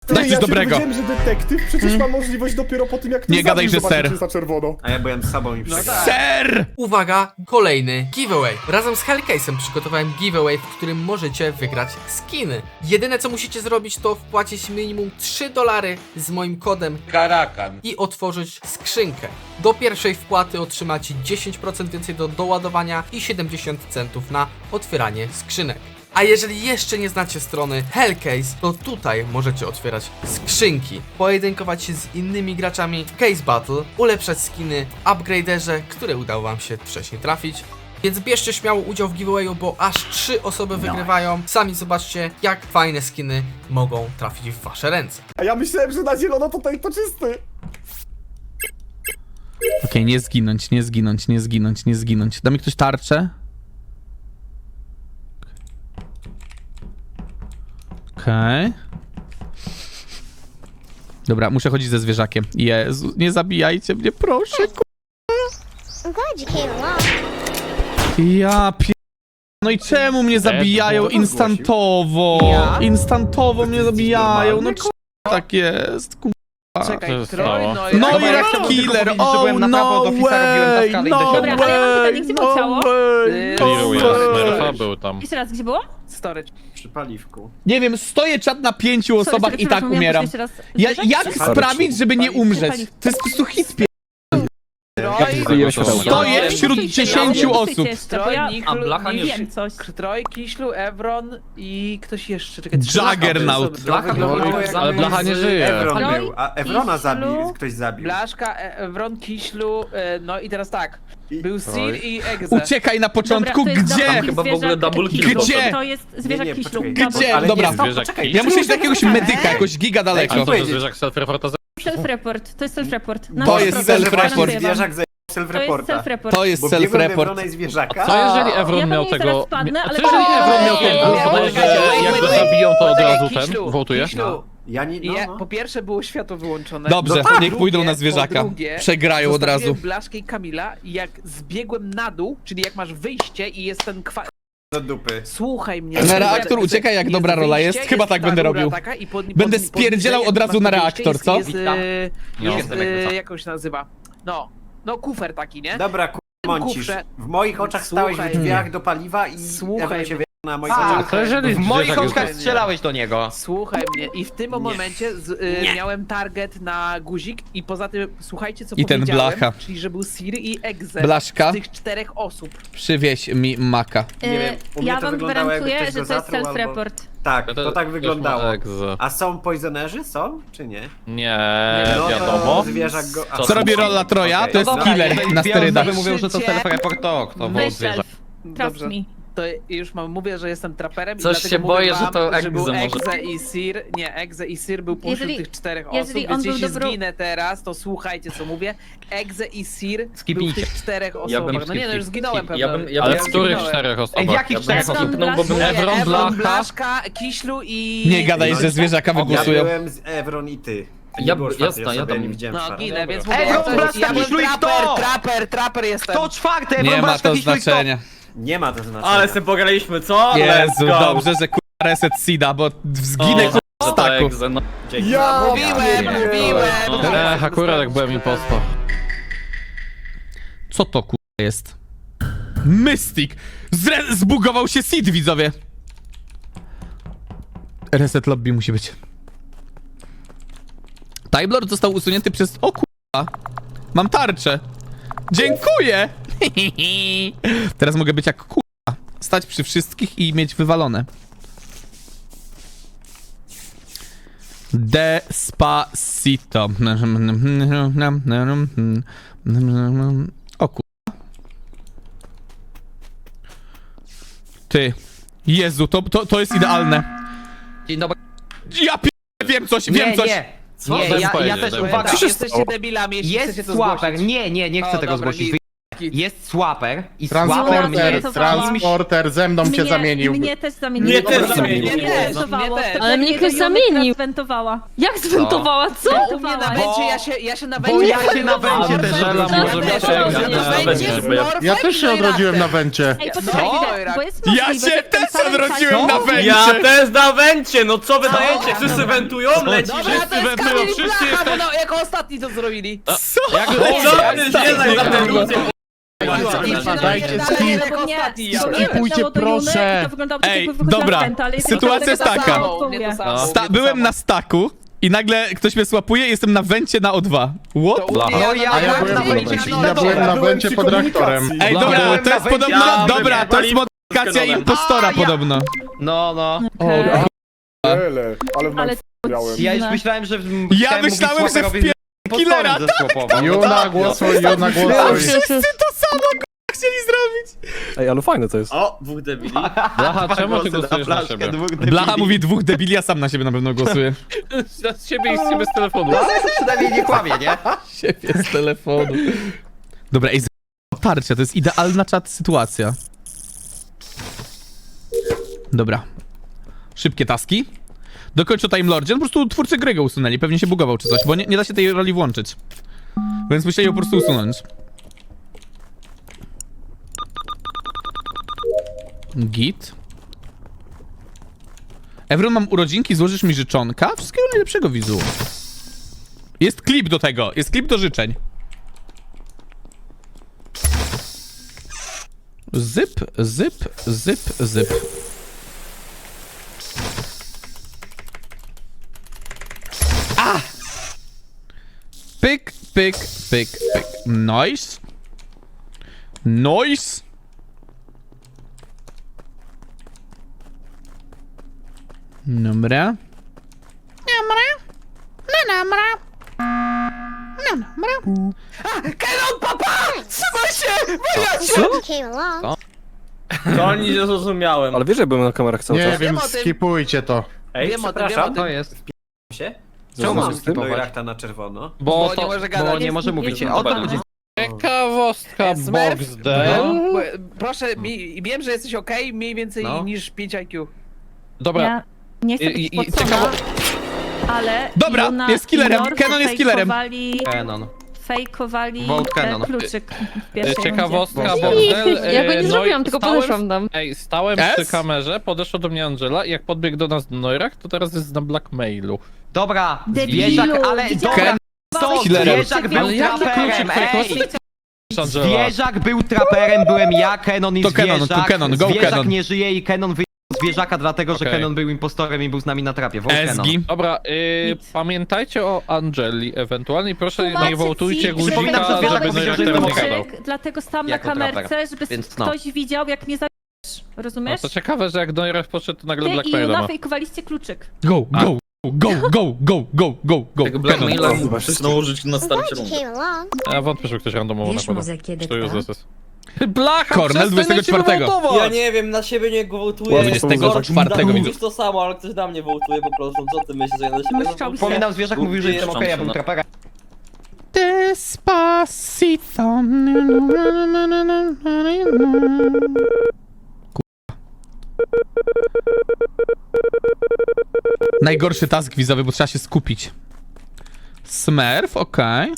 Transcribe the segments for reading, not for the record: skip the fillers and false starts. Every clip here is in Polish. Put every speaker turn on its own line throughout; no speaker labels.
Daj coś
ja
dobrego.
Wiem, że detektyw przecież ma możliwość dopiero po tym, jak
Nie gadaj, że
zobaczy,
ser.
czy jest na czerwono.
A ja byłem z sobą i przegrałem.
Ser!
Uwaga, kolejny giveaway. Razem z Hellcase'em przygotowałem giveaway, w którym możecie wygrać skiny. Jedyne co musicie zrobić to wpłacić minimum $3 z moim kodem
Karakan.
i otworzyć skrzynkę. Do pierwszej wpłaty otrzymacie 10% więcej do doładowania i 70 centów na otwieranie skrzynek. A jeżeli jeszcze nie znacie strony Hellcase, to tutaj możecie otwierać skrzynki, pojedynkować się z innymi graczami w Case Battle, ulepszać skiny w upgraderze, które udało wam się wcześniej trafić. Więc bierzcie śmiało udział w giveawayu, bo aż 3 osoby wygrywają. Sami zobaczcie, jak fajne skiny mogą trafić w wasze ręce.
A ja myślałem, że na zielono to czysty.
Okej, nie zginąć, nie zginąć, nie zginąć, nie zginąć. Da mi ktoś tarczę? Okej. Dobra, muszę chodzić ze zwierzakiem. Jezu, nie zabijajcie mnie, proszę,
I'm glad you came along.
Ja pier... No i czemu mnie zabijają instantowo? Instantowo mnie zabijają, no czemu tak jest,
Czekaj,
Co się
Troy,
stało?
no
No
ja
jest
chciałbym
killer,
tylko powiedzieć, że
oh
byłem na prawo
no
od ofisa, robiłem
way,
taskady i
no
dosiadłem.
Dobra, ale ja mam pytanie, gdzie było ciało?
way, no
Clearuje,
way.
Smurfa był tam.
Jeszcze raz, gdzie było?
Storage.
Przy paliwku.
Nie wiem, stoję czat na 5 osobach i tak umieram. Jak sprawić, żeby nie umrzeć? To jest po prostu hit. Stoję wśród 10 osób.
Bo ja
Niklu,
Blacha nie
wiem coś.
Troy, Kiślu, Evron i ktoś jeszcze. Czekaj,
Juggernaut.
Blacha,
Ale Blacha nie żyje.
Evron
Troy,
był, a Evrona
Kiślu.
ktoś zabił.
Blaszka, Evron, Kiślu, no i teraz tak. Był Sir
Troy.
i Exe.
Uciekaj na początku,
Dobra, to jest
gdzie?
dobry
Chyba w ogóle
zwierzak
double kill
Kiślu.
Gdzie?
To jest zwierzak
Nie,
Kiślu.
poczekaj.
Gdzie?
Ale
Dobra.
nie, stop,
Zwierzak
poczekaj.
Ja muszę iść do jakiegoś medyka, jakoś giga daleko.
Ale to
powiedzieć.
zwierzak self-reporta
Self-report, to jest self-report.
To jest self-report.
Zwierzak zajął
To jest
self-reporta.
self-report.
To jest
Bo biegłem do
self-report.
Evrona i zwierzaka.
Co jeżeli Evron
Ja
miał
pewnie
tego...
zaraz spadnę,
A
ale
co jeżeli
to-
Evron miał tego?
Nie,
Podaje,
poczekajcie,
że jak go
wait.
zabiją, to od
Poczekaj,
razu ten
Kiślu,
wołtuje?
Kiślu.
Ja nie, no.
Po pierwsze było światło wyłączone.
Dobrze,
No tak.
niech pójdą na
Po
zwierzaka.
drugie,
Przegrają od razu.
zostawiłem Blaszkę i Kamila i jak zbiegłem na dół, czyli jak masz wyjście i jest ten
Do dupy.
Słuchaj mnie.
Na reaktor uciekaj, jak dobra rola jest.
wyjście,
Chyba tak
ta
będę
rura
robił.
taka i
Będę spierdzielał od razu na reaktor, co?
Jest,
No.
jak on się nazywa? No kufer taki, nie?
Dobra, mącisz.
Kufrze.
W moich oczach stałeś
Słuchaj
w drzwiach do paliwa i
Słuchaj
Evron się
mnie.
na moich
A
oczach.
co jeżeli
W moich
zwierzak
oczach
jest-
strzelałeś
do niego.
Słuchaj mnie i w tym momencie miałem target na guzik i poza tym słuchajcie co
I ten
powiedziałem,
Blacha.
czyli że był Sir i Exe
Blaszka.
z tych 4 osób.
Przywieź mi maka.
Nie wiem, u mnie
Ja
to
wam
wyglądało, jakby
gwarantuję,
ktoś
że
go
to jest
zatruł albo-
self-report.
Tak,
To
to tak
już
wyglądało.
ma egzę.
A są poisonerzy? Są? Czy nie?
Nie,
No to
wiadomo.
zwierzak go...
Co
Co robi rola Troja? To jest
Okej.
killer na sterydach.
Mówią, że to self-report, to był
Weź
zwierzak.
self. Trust
Dobrze.
me.
To już mówię, że jestem traperem i
Coś
dlatego
się
mówię
boję,
wam,
że to Exe
był
może.
Exe i Sir. Nie, Exe i Sir był pośród
Jeżeli-
tych 4 osób,
jeżeli on
więc
był
jeśli
dobrą-
zginę teraz, to słuchajcie co mówię. Exe i Sir był w
Skipnijcie.
tych 4
Ja
osobach.
bym
No nie, no już zginąłem pewnie.
Ale
Ja
w których
zginąłem.
4 osobach?
Ej, w jakich
Ja bym
4
Evron,
skipnął, bo bym
Blaszka.
Evron,
Evron,
Blacha...
Blaszka, Kiślu i...
Nie gadaj, że zwierzaka
Ja
wygłosują.
byłem z Evron i ty.
Ja-
Nie było
jasne,
czwartej osoby,
ja tam-
nie widziałem
No
czwartej.
ginę, więc
Dobra.
mówię,
Evron, Blaszka,
ja byłem
Kiślu i kto?
traper jestem.
To czwarte,
Nie
Evron,
ma
Blaszka,
to
Kiślu i kto?
znaczenia.
Nie ma to znaczenia.
Ale se pograliśmy, co?
Jezu, dobrze, że kurwa reset Sida, bo zginę kurwa w staku.
Dzięki.
Ja
Mówiłem!
Akurat jak byłem impostor.
Co to kurwa jest? Mystic! Zbugował się Sid, widzowie! Reset lobby musi być. Time Lord został usunięty przez... O kurwa! Mam tarczę! Dziękuję! Teraz mogę być jak kurwa. Stać przy wszystkich i mieć wywalone. Despacito. O kurwa. Jezu, to jest idealne.
Dzień dobry.
Ja wiem coś, wiem
Nie,
coś.
nie.
Co?
Nie,
Daj
ja
powiedzieć,
też
daj
uwaga.
Tak, jesteście debilami, jeśli chcecie
Jest
to
słaper.
zgłosić.
Nie chcę
O,
tego
dobra,
zgłosić.
git. Jaki?
jest Swaper i Swaper
Transporter,
mnie...
Transporter ze mną się zamienił.
Mnie też zamienił.
Mnie też zamienił.
Mnie też,
Zwentowało.
mnie też.
Wtedy
Ale mnie ktoś
Julka
zamienił.
Zwentowała.
Jak zwentowała? Co?
No, u mnie na węcie, ja się na
Bo
węcie...
ja się na węcie też
Angela
odrodziłem.
może mieć
Ja
jak
też
na
nie
węcie, żeby ja...
Ja też się odrodziłem na węcie.
Ej, poczekajcie, bo jest
Ja
możliwe,
się
że w tym
też
samym
odrodziłem
czasie-
na węcie!
Ja też na węcie, no co wydajecie? Wszyscy wentują, leci,
Dobra,
wszyscy
to jest
wentują,
Kamil i
wszyscy
Blacha, bo
jesteśmy...
no, jako ostatni to zrobili.
Jak co ty zwiedzaj za tę ludzie?
Dajcie
Dalej,
skip.
jako
Bo nie,
ostatni.
bo mnie
Skipujcie,
wepchnęło do Juny
proszę.
i to wyglądało tak,
Ej,
jakby wychodziła
dobra,
z Wenta, ale jestem
sytuacja
pewna,
jest
że to
taka.
samo
Mnie to
odpowie.
samo.
Byłem na staku i nagle ktoś mnie słapuje i jestem na węcie na O2. What?
To u mnie
No ja
A ja
byłem na
byłem
węcie.
ja byłem na węcie pod reaktorem.
Ej,
No,
dobra,
byłem
to
na
jest
węcie,
podobno...
ja
Dobra, to jest
byłem
modyfikacja
Paliwem.
impostora
A, ja-
podobno.
No, no.
Okej.
Ale
Ale
miałem.
Ja już
dziwne.
myślałem, że...
Ja myślałem, że wpie... killera,
Juna, głosuj, Juna, głosuj.
Wszyscy to samo chcieli zrobić.
Ej, ale fajne to jest.
O, dwóch debili. Blacha, czemu ty głosujesz na siebie?
Blacha mówi dwóch debili, ja sam na siebie na pewno głosuję.
Z siebie i z ciebie z telefonu.
Przynajmniej nie kłamie, nie?
Siebie z telefonu. Dobra, ej, tarcia, to jest idealna czat sytuacja. Dobra. Szybkie taski. Dokończę Time Lordzie. No po prostu twórcy gry go usunęli. Pewnie się bugował czy coś, bo nie da się tej roli włączyć. Więc musieli ją po prostu usunąć. Git. Evron, mam urodzinki, złożysz mi życzonka? Wszystkiego najlepszego, widzu. Jest klip do tego, jest klip do życzeń. Zyp, zyp, zyp, zyp. A! Pyk, pyk, pyk, pyk. Nice. Nice. Dobra.
Glad you came along.
To nic nie zrozumiałem.
Ale wiesz, że byłem na kamerach cały
Ja
czas. Nie
wiem
wiem,
o tym.
skipujcie to.
Ej,
Wiem o tym,
przepraszam.
wiem o
To jest.
się?
Czemu mam
Czemu
skipować?
Neurachta na czerwono?
Bo nie może gadać.
Bo nie może mówić. O to chodzi.
Ciekawostka
Smurf?
Boxdel.
No, proszę, wiem, że jesteś okej, mniej więcej
No.
niż 5 IQ.
Dobra,
Ja nie chcę być pocona, ale
Dobra,
Juna
jest killerem.
i North
Kenon jest killerem.
Canon.
Fejkowali
Vote Kenon.
kluczyk w pierwszej
ciekawostka
rundzie.
Boxdel.
Ja go nie
no i
zrobiłam, tylko
stałem-
podeszłam tam.
Ej, stałem
S?
przy kamerze, podeszła do mnie Angela i jak podbiegł do nas Neurach, to teraz jest na blackmailu.
Dobra,
Debilu,
zwierzak, ale
widziałam.
dobra, to
killerem.
zwierzak był
Ale jaki
traperem,
kluczyk?
ej!
Angela.
Zwierzak był traperem, byłem ja, Kenon i
To Kenon,
zwierzak.
to Kenon, go
Zwierzak
Kenon.
nie żyje i Kenon wyjął zwierzaka, dlatego że
Okej.
Kenon był impostorem i był z nami na trapie. Vote Kenon.
Esgi.
Dobra,
Nic.
pamiętajcie o Angeli ewentualnie i proszę
Tłumaczę
nie wołtujcie
ci,
guzika,
Przypominam, że zwierzak
żeby
powiedział, że
Neurach
jestem
teraz nie
okej.
gadał.
Dlatego stałam na
Jako
kamerce,
traper.
żeby
Więc no.
ktoś widział, jak mnie zabijesz.
No
Rozumiesz?
to ciekawe, że jak Neurach poszedł, to nagle
Ty i
blackmaila
Juna
ma.
fejkowaliście kluczyk.
Go, go, go, go, go, go, go, go. Kenon.
nałożyć na
Glad you came along.
Ja wątpię, że ktoś randomowo nakłada.
kiedy
To już jest. Blacha,
Kornel
przestań na siebie
24.
wołtować!
Ja nie wiem, na siebie nie wołtuję.
24
Mówisz
widzę.
to samo, ale ktoś na mnie wołtuje po prostu. Co ty myślisz, że ja na siebie
Myślał
wołtuję?
Przypominam, zwierzak mówił, że jestem okej, ja był traperem.
Despacito. Najgorszy task wizowy, bo trzeba się skupić. Smurf, okej.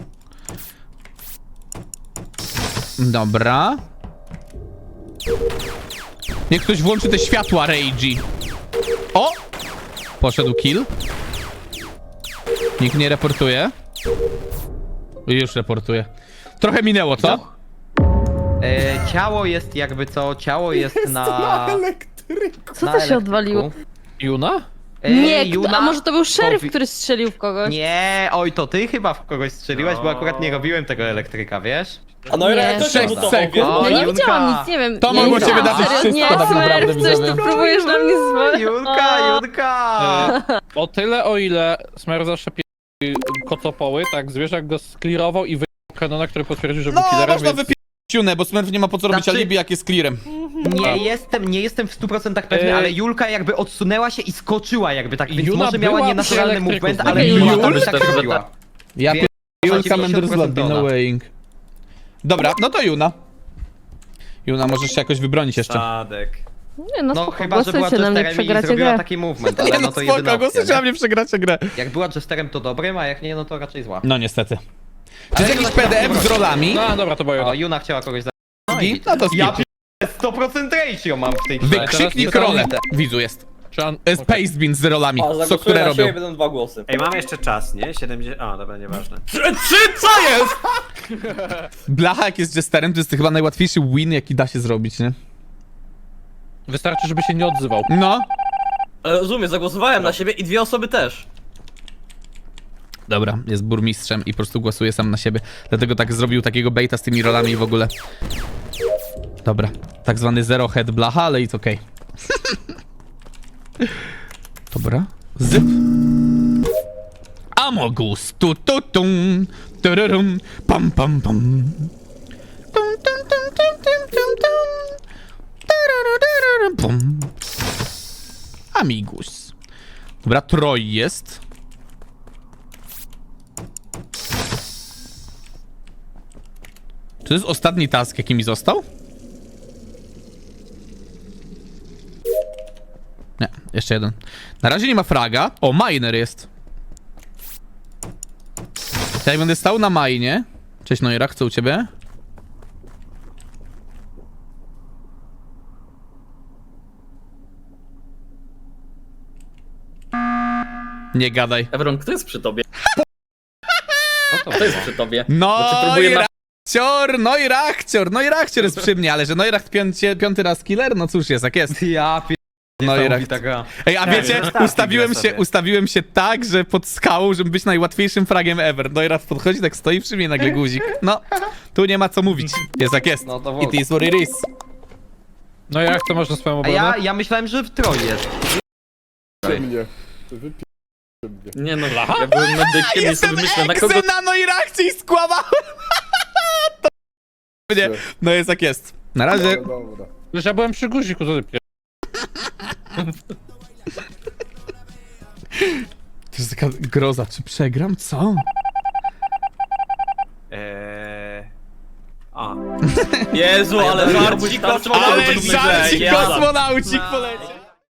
Dobra. Niech ktoś włączy te światła Rage. O! Poszedł kill. Nikt nie reportuje. Już reportuje. Trochę minęło, co?
Ciało jest jakby co, ciało jest
Na
na...
elektryku.
Co
na
to się
elektryku.
odwaliło?
Juna?
Nie,
Juna?
a może to był szeryf,
Powi-
który strzelił w kogoś?
Nie, oj, to ty chyba w kogoś strzeliłeś, bo akurat nie robiłem tego elektryka, wiesz?
A no i
Nie.
jak to się
6
budował,
sekund.
wiesz?
O,
Ja nie
Junka.
widziałam nic, nie wiem.
To
ja
mogło
nie
się
widziałam.
wydarzyć
Serio?
wszystko
Nie,
tak naprawdę,
Smurf, coś
widzowie.
tu próbujesz na mnie zwalić.
Junka!
O tyle, o ile Smer zawsze kocopoły, tak, zwierzak go sklirował i wyjął Kenona, który potwierdził, że był
No,
killerem,
można
więc...
wypić bo Smurf nie ma po co robić
Znaczy-
alibi, jak jest clearem.
Nie jestem w 100% pewny, ale Julka jakby odsunęła się i skoczyła jakby tak, więc
Juna
może miała
była
nienaturalny
przy
movement,
elektryku.
ale
Okej,
Juna
Jul?
tam by tak robiła.
Ja
Więc
Julka
za 90%
Menderslat, be no
ona.
weighing. Dobra, no to Juna. Juna, możesz się jakoś wybronić jeszcze.
Tadek.
Nie no,
No
spoko,
chyba, że była
głosujcie na mnie,
jesterem i
przegracie
zrobiła
grę.
taki movement, ale
Nie
no
no
to jedyna
spoko,
opcja,
głosujcie na
nie?
mnie, przegracie grę.
Jak była jesterem to dobrym, a jak nie, no to raczej zła.
No niestety. Czy jest
Ale
jakiś
Juna
PDF z rolami?
No dobra, to była
O,
Juna.
Juna chciała kogoś za...
No to
Ja
skip.
100% ratio mam w tej grze.
Wykrzyknik
Teraz
rolę.
niesamowite.
Widzu jest.
Czy on...
Jest Paste Bean z rolami,
A,
co
zagłosuję
które
na
robią.
siebie, będą 2 głosy.
Ej, mamy jeszcze czas, nie? 70... A, dobra, nieważne.
Blacha jak jest jesterem, to jest chyba najłatwiejszy win, jaki da się zrobić, nie?
Wystarczy, żeby się nie odzywał.
No.
Ale rozumiem, zagłosowałem na siebie i 2 osoby też.
Dobra, jest burmistrzem i po prostu głosuje sam na siebie. Dlatego tak zrobił takiego baita z tymi rolami i w ogóle. Dobra, tak zwany zero head blacha, ale it's okej. Dobra, zyp. Amogus, tum, tururum, pam pam pam. Tum, tum, tum, tum, tum, tum, tum. Tururururum, pum. Amigus. Dobra, Troj jest. Czy to jest ostatni task, jaki mi został? Nie, jeszcze jeden. Na razie nie ma fraga. O, miner jest. Ja będę stał na minie. Cześć Noirak, co u ciebie? Nie gadaj.
Evron, kto jest przy tobie?
No to
Kto jest przy tobie?
No
próbuję
i Rachcior jest przy mnie, ale że Neuracht piąty raz killer? No cóż jest, jak jest.
Ja
No i
niesamowita gra.
Ej, a wiecie, ustawiłem się tak, że pod skałą, żeby być najłatwiejszym fragiem ever. Neuracht podchodzi, tak stoi przy mnie, nagle guzik. No, tu nie ma co mówić. Jest jak jest.
No to
It is what it is.
No jak to można swoją
A
obronę?
ja myślałem, że w Troj jest.
Nie no, ja byłem medykiem i
Jestem
sobie myślę, na kogo...
eksem na Noirakcie i skłamałem. To... Nie, no jest jak jest. Na razie.
Wiesz, ja byłem przy guziku, co ty pier...
To jest taka groza, czy przegram? Co?
Jezu, ale żarcik,
Ale żarcik kosmonaucik poleciał.